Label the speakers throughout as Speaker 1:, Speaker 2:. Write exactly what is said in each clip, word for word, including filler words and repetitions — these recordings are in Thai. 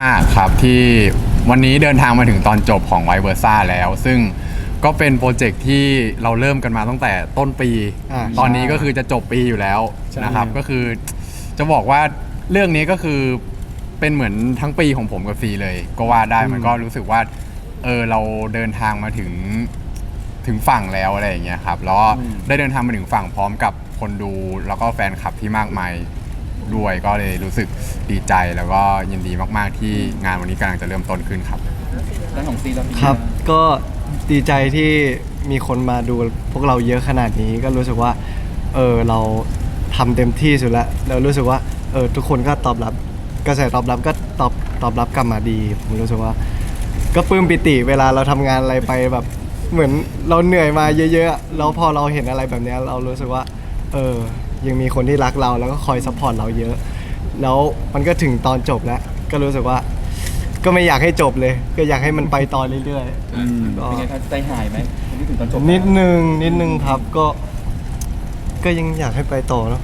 Speaker 1: อ่าครับที่วันนี้เดินทางมาถึงตอนจบของไวเวอร์ซ่าแล้วซึ่งก็เป็นโปรเจกต์ที่เราเริ่มกันมาตั้งแต่ต้นปี ตอนนี้ก็คือจะจบปีอยู่แล้วนะครับก็คือจะบอกว่าเรื่องนี้ก็คือเป็นเหมือนทั้งปีของผมกับซีเลยก็ว่าได้มันก็รู้สึกว่าเออเราเดินทางมาถึงถึงฝั่งแล้วอะไรอย่างเงี้ยครับแล้วได้เดินทางมาถึงฝั่งพร้อมกับคนดูแล้วก็แฟนคลับที่มากมายด้วยก็เลยรู้สึกดีใจแล้วก็ยินดีมากๆที่งานวันนี้กำลังจะเริ่มต้นขึ้นครับ
Speaker 2: ด้านของซีแล้ว
Speaker 3: ครับก็ดีใจที่มีคนมาดูพวกเราเยอะขนาดนี้ก็รู้สึกว่าเออเราทำเต็มที่สุดแล้วแล้วรู้สึกว่าเออทุกคนก็ตอบรับกระแสตอบรับก็ตอบตอบรับกลับมาดีผมรู้สึกว่าก็ปลื้มปิติเวลาเราทำงานอะไรไปแบบเหมือนเราเหนื่อยมาเยอะๆแล้วพอเราเห็นอะไรแบบนี้เรารู้สึกว่าเออยังมีคนที่รักเราแล้วก็คอยซัพพอร์ตเราเยอะแล้วมันก็ถึงตอนจบแล้วก็รู้สึกว่าก็ไม่อยากให้จบเลยก็อยากให้มันไปต่อเรื่อยๆ
Speaker 2: เป็นไงครับใจหายไหมนี่ถึงตอนจบ
Speaker 3: นิดนึงนิดนึงครับก็ก็ยังอยากให้ไปต่อเนาะ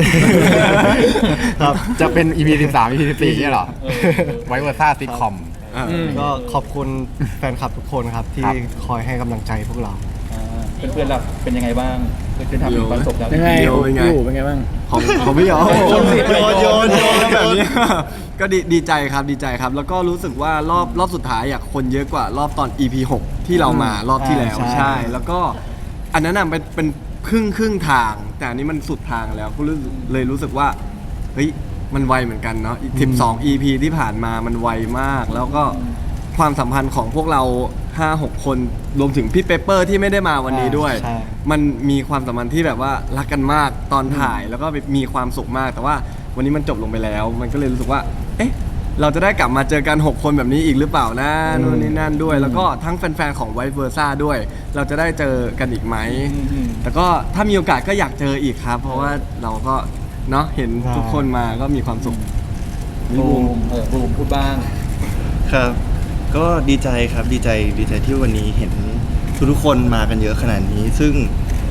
Speaker 3: ครับ
Speaker 1: จะเป็น อี พี สิบสาม อี พี สิบสี่เนี่ยหรอไวเวอร์ซ่าซิทคอม
Speaker 3: ก็ขอบคุณแฟนคลับทุกคนครับที่คอยให้กำลังใจพวกเรา
Speaker 2: เพื่อนๆเราเป็นยังไงบ้างเพื่อนๆทำถึงตอนจบแล้ว
Speaker 4: ยังไงเป็นไงเป็นไงบ้าง
Speaker 3: ของของพี่อ๋อโยนโยนโยนแบบนี้
Speaker 5: ก็ดีดีใจครับดีใจครับแล้วก็รู้สึกว่ารอบรอบสุดท้ายอยากคนเยอะกว่ารอบตอน อี พี หกที่เรามารอบที่แล้วใช่แล้วก็อันนั้นน่ะเป็นเป็นครึ่งครึ่งทางแต่อันนี้มันสุดทางแล้วก็เลยรู้สึกว่าเฮ้ยมันไวเหมือนกันเนาะสิบสอง อี พี ที่ผ่านมามันไวมากแล้วก็ความสัมพันธ์ของพวกเรา ห้าหก คนรวมถึงพี่เปเปอร์ที่ไม่ได้มาวันนี้ด้วยมันมีความสัมพันธ์ที่แบบว่ารักกันมากตอนถ่ายแล้วก็มีความสุขมากแต่ว่าวันนี้มันจบลงไปแล้วมันก็เลยรู้สึกว่าเอ๊ะเราจะได้กลับมาเจอกันหกคนแบบนี้อีกหรือเปล่านะนู่นนี่นั่นด้วยแล้วก็ทั้งแฟนๆของไวเวอร์ซ่าด้วยเราจะได้เจอกันอีกไหมแต่ก็ถ้ามีโอกาสก็อยากเจออีกครับเพราะว่าเราก็เนาะเห็นทุกคนมาก็มีความสุข
Speaker 2: บูมเออบูมพูดบ้าง
Speaker 4: ครับก็ดีใจครับดีใจดีใจที่วันนี้เห็นทุกๆคนมากันเยอะขนาดนี้ซึ่ง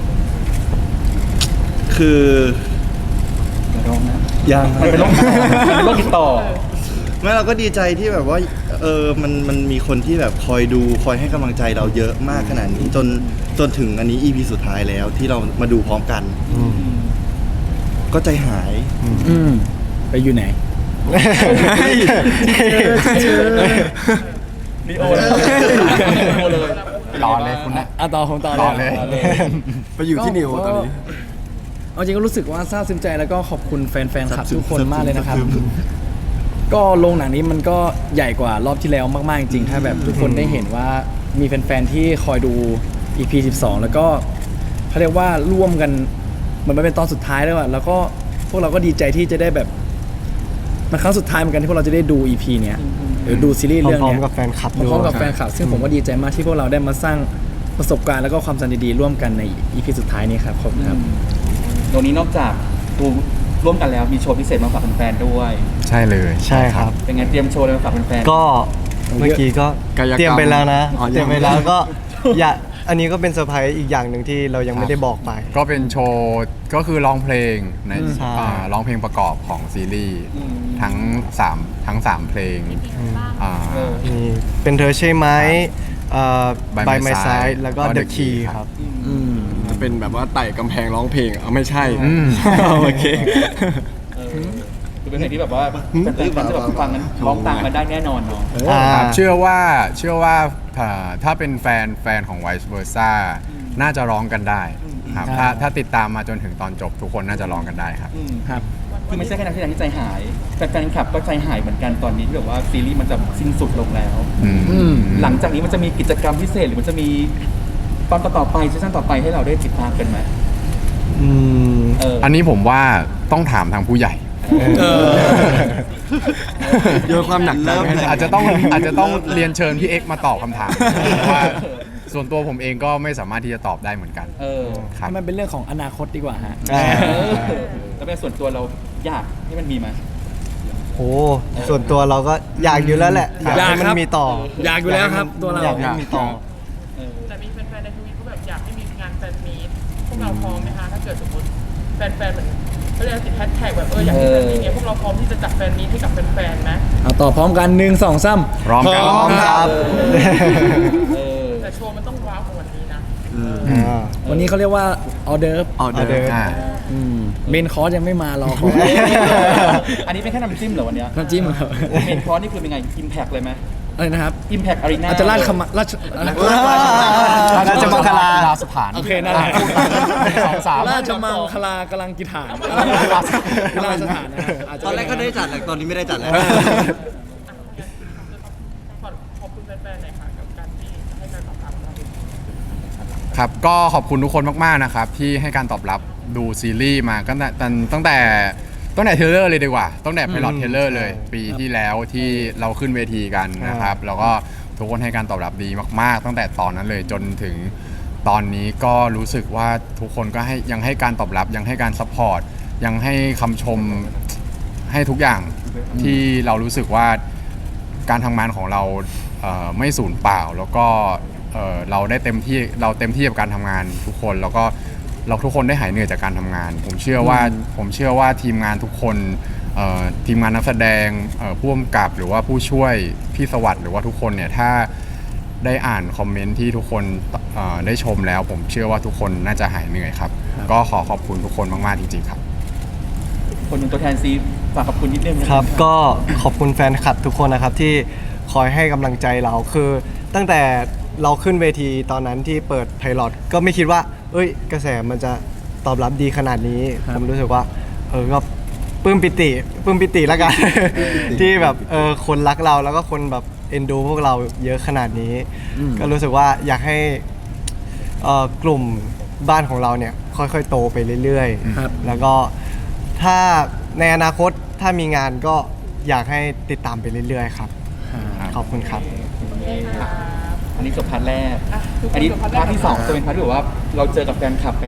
Speaker 4: คือ
Speaker 2: ร้องนะ
Speaker 4: ยัง
Speaker 2: มันเป็นโรคเป็นโรคติดต่อ
Speaker 4: ไม่เราก็ดีใจที่แบบว่าเออมันมันมีคนที่แบบคอยดูคอยให้กำลังใจเราเยอะมากขนาดนี้จนจนถึงอันนี้ อี พี สุดท้ายแล้วที่เรามาดูพร้อมกันก็ใจหาย
Speaker 6: ไปอยู่ไหน
Speaker 2: ลีโอเลย
Speaker 1: ต่อเลยคุณนะ
Speaker 6: อ่ะต่อผมต่อ
Speaker 1: เลย
Speaker 5: ไปอยู่ที่นิวตอนนี้
Speaker 6: เอาจริงก็รู้สึกว่าซาบซึ้งใจแล้วก็ขอบคุณแฟนๆคลับทุกคนมากเลยนะครับก็โรงหนังนี้มันก็ใหญ่กว่ารอบที่แล้วมากๆจริงๆถ้าแบบทุกคนได้เห็นว่ามีแฟนๆที่คอยดู อี พี สิบสองแล้วก็เขาเรียกว่าร่วมกันเหมือนมันเป็นตอนสุดท้ายแล้วอะแล้วก็พวกเราก็ดีใจที่จะได้แบบมันครั้งสุดท้ายเหมือนกันที่พวกเราจะได้ดู อี พี เนี้ยหรือดูซีรีส์เรื่องนี้
Speaker 3: พร้อมกับแฟนคลับ
Speaker 6: พร้อมกับแฟนคลับซึ่งผมก็ดีใจมากที่พวกเราได้มาสร้างประสบการณ์แล้วก็ความสัมพันธ์ดีๆร่วมกันใน อี พี สุดท้ายนี้ครับขอบคุณครับ
Speaker 2: ตรงนี้นอกจากดูร่วมกันแล้วมีโชว์พิเศษมาฝากแฟนๆด้วย
Speaker 1: ใช่เลย
Speaker 3: ใช่ครับ
Speaker 2: เป็นไงเตรียมโชว์อะไรมาฝากแฟน
Speaker 3: ๆก็เมื่อกี้ก็เตรียมไปแล้วนะเตรียมไปแล้วก็อย่าอันนี้ก็เป็นเซอร์ไพรส์อีกอย่างหนึ่งที่เรายังไม่ได้บอกไป
Speaker 1: ก็เป็นโชว์ก็คือร้องเพลงในร้องเพลงประกอบของซีรีส์ทั้งสามทั้งสามเพลง
Speaker 3: มีเป็นเธอใช่ไหมBy My Side แล้วก็ The Key ครับ
Speaker 5: จะเป็นแบบว่าไต่กำแพงร้องเพลงเอาไม่ใช่โอเค
Speaker 2: คือเป็นเพลงที่แบบว่าแฟนๆจะแบบฟังกันร้องตามกันได้แน่นอนเนาะ
Speaker 1: เชื่อว่าเชื่อว่าถ้าเป็นแฟนแฟนของ Vice Versa น่าจะร้องกันได้ครับถ้าถ้าติดตามมาจนถึงตอนจบทุกคนน่าจะร้องกันได้ครับ
Speaker 2: ครับคือไม่ใช่แค่นักแสดงที่ใจหายแฟนคลับก็ใจหายเหมือนกันตอนนี้ที่แบบว่าซีรีส์มันจะสิ้นสุดลงแล้วหลังจากนี้มันจะมีกิจกรรมพิเศษหรือมันจะมีตอนต่อไปซีซั่นต่อไปให้เราได้ติดตามกันไหม
Speaker 1: อันนี้ผมว่าต้องถามทางผู้ใหญ่
Speaker 5: โยนความหนักใจ
Speaker 1: อาจจะต้องอาจจะต้องเรียนเชิญพี่เอ็กซ์มาตอบคำถามเพราะว่าส่วนตัวผมเองก็ไม่สามารถที่จะตอบได้เหมือนกัน
Speaker 6: ครับมันเป็นเรื่องของอนาคตดีกว่าฮะ
Speaker 2: แล้วเป็นส่วนตัวเราอยากให้มันมีไหม
Speaker 3: โอ้ส่วนตัวเราก็อยากอยู่แล้วแหละอยากให้มันมีต่อ
Speaker 6: อยากอยู่แล้วครับตัวเรา
Speaker 3: อยากให้มีต่อ
Speaker 7: แต่มีแฟนๆในทวิตเขาแบบอยากให้มีงานแฟนมีตพวกเราพร้อมไหมคะถ้าเกิดสมมติแฟนๆเหมือนเขาเรียกติดแฮชแท็กแบบเอออยากให้แฟนมีเนี่ยพวกเราพร้อมที่จะจัดแฟนมีให้กับแฟนๆนะ
Speaker 6: เอาต่อพร้อมกันหนึ่งสองสาม
Speaker 1: พร้อมกัน
Speaker 3: พร้อมครับ
Speaker 2: เออ
Speaker 7: แต่โชว์มันต้องว้าวกว่าวันนี้นะ
Speaker 3: อ่า
Speaker 6: วันนี้เขาเรียกว่าออเดิร์ฟ
Speaker 5: ออเดอ
Speaker 3: ออเดอร์
Speaker 5: ร์
Speaker 1: อ่า
Speaker 6: เมนคอร์สยังไม่มารอคอย
Speaker 2: อันนี้เป็นแค่น้ำจิ้มเหรอวันเนี้ย
Speaker 6: น้ำจิ้มครับ
Speaker 2: เมนคอร์สนี่คือเป็นไง อิมแพกเลยไหม
Speaker 6: อะไรนะครับ
Speaker 2: อิมแพกอารีนา
Speaker 6: อาจจะราชคำราช
Speaker 3: ราชมังคลา
Speaker 1: ราชสถาน
Speaker 6: โอเคนั่นแหละ
Speaker 1: สองสาม
Speaker 6: ราชมังคลากำลังกิถานราชสถานนะครับาจจะ
Speaker 4: ตอนแรกก็ได้จัดแหละตอนนี้ไม่ได้จัดแล้ว
Speaker 7: ขอบคุณแฟนๆหน่อยค่ะกับการที่ให้การตอบรับเรา
Speaker 1: ครับก็ขอบคุณทุกคนมากๆนะครับที่ให้การตอบรับดูซีรีส์มาตั้งแต่ตั้งแต่ตั้งแต่เทรลเลอร์เลยดีกว่าตั้งแต่ไพลอตเทรลเลอร์เลย ปีที่แล้วที่เราขึ้นเวทีกันนะครับแล้วก็ทุกคนให้การตอบรับดีมากๆ ตั้งแต่ตอนนั้นเลยจนถึงตอนนี้ก็รู้สึกว่าทุกคนก็ให้ยังให้การตอบรับยังให้การซัพพอร์ตยังให้คำชมให้ทุกอย่างที่เรารู้สึกว่าการทำงานของเราเอ่อไม่สูญเปล่าแล้วก็เอ่อเราได้เต็มที่เราเต็มที่กับการทำงานทุกคนแล้วก็เราทุกคนได้หายเหนื่อยจากการทำงาน ผมเชื่อว่าผมเชื่อว่าทีมงานทุกคนเอ่อทีมงานนักแสดงเอ่อผู้กำกับหรือว่าผู้ช่วยพี่สวัสดิ์หรือว่าทุกคนเนี่ยถ้าได้อ่านคอมเมนต์ที่ทุกคนเอ่อได้ชมแล้ว ผมเชื่อว่าทุกคนน่าจะหายเหนื่อยครับ ก็ขอขอบคุณทุกคนมากๆจริงๆครับ
Speaker 2: คนเป็นตัวแทนซีฝากขอบคุณนิดนึงนะ
Speaker 3: ครับก็ขอบคุณแฟนคลับทุกคนนะครับที่คอยให้กำลังใจเราคือ ตั้งแต่เราขึ้นเวทีตอนนั้นที่เปิดไพลอตก็ไม่คิดว่า เอ้ย กระแสมันจะตอบรับดีขนาดนี้ ผมรู้สึกว่าเออก็ปลื้มปิติปลื้มปิติแล้วกัน ที่แบบเออคนรักเราแล้วก็คนแบบเอ็นดูพวกเราเยอะขนาดนี้ ก็รู้สึกว่าอยากให้เอ่อกลุ่มบ้านของเราเนี่ยค่อยๆโตไปเรื่อย
Speaker 6: ครับ
Speaker 3: ๆ แล้วก็ถ้าในอนาคตถ้ามีงานก็อยากให้ติดตามไปเรื่อยๆครับ ขอบคุณครับ
Speaker 2: อันนี้จบพาร์ทแรก อันนี้พาร์ทที่สองจะเป็นพาร์ทที่แบบว่าเราเจอกับแฟนคลับ